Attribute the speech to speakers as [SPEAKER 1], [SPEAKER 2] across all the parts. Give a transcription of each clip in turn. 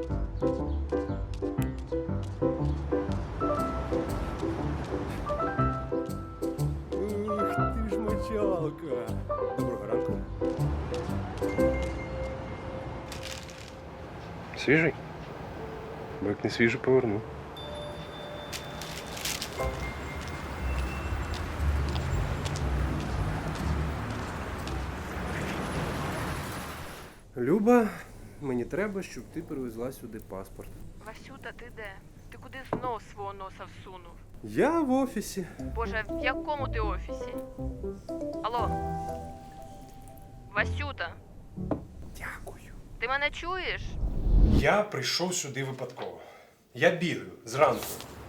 [SPEAKER 1] Ух ти ж мочалка. Доброго ранку.
[SPEAKER 2] Свіжий? Бо як не свіжий, поверну.
[SPEAKER 1] Люба, мені треба, щоб ти привезла сюди паспорт.
[SPEAKER 3] Васюта, ти де? Ти куди знов свого носа всунув?
[SPEAKER 1] Я в офісі.
[SPEAKER 3] Боже, в якому ти офісі? Алло? Васюта,
[SPEAKER 1] Дякую.
[SPEAKER 3] ти мене чуєш?
[SPEAKER 2] Я прийшов сюди випадково. Я бігаю зранку.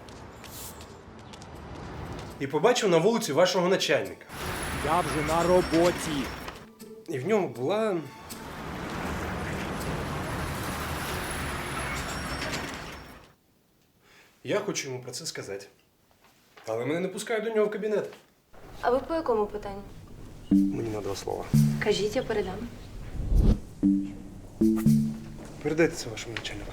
[SPEAKER 2] І побачив на вулиці вашого начальника.
[SPEAKER 1] Я вже на роботі.
[SPEAKER 2] І в ньому була. Я хочу йому про це сказати. Але мене не пускають до нього в кабінет.
[SPEAKER 4] А ви по якому питанню?
[SPEAKER 2] Мені на 2 слова.
[SPEAKER 4] Кажіть, я передам.
[SPEAKER 2] Передайте це вашому начальнику.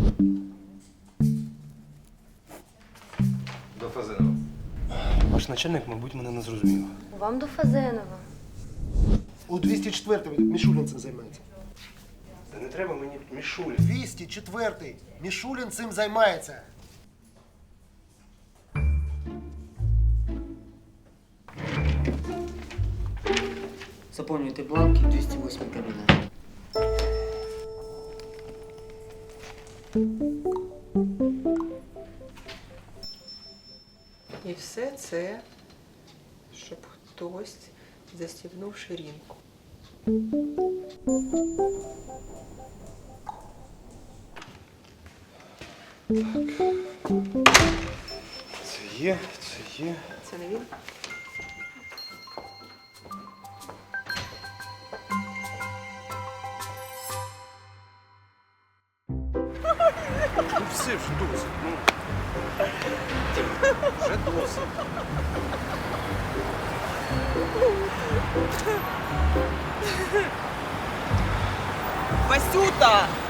[SPEAKER 5] До Фазенова.
[SPEAKER 2] Ваш начальник, мабуть, мене не зрозумів.
[SPEAKER 4] Вам до Фазенова.
[SPEAKER 6] У 204-й Мішулін цим займається.
[SPEAKER 2] Та не треба мені мішулі.
[SPEAKER 6] 204-й Мішулін цим займається.
[SPEAKER 7] Заповнюйте бланки, 208 кабінет.
[SPEAKER 8] І все це, щоб хтось застібнув ширинку.
[SPEAKER 2] Це є, це є.
[SPEAKER 8] Це не він?
[SPEAKER 2] Ну все вже досить. Ну. Вже досить.
[SPEAKER 8] Васюта!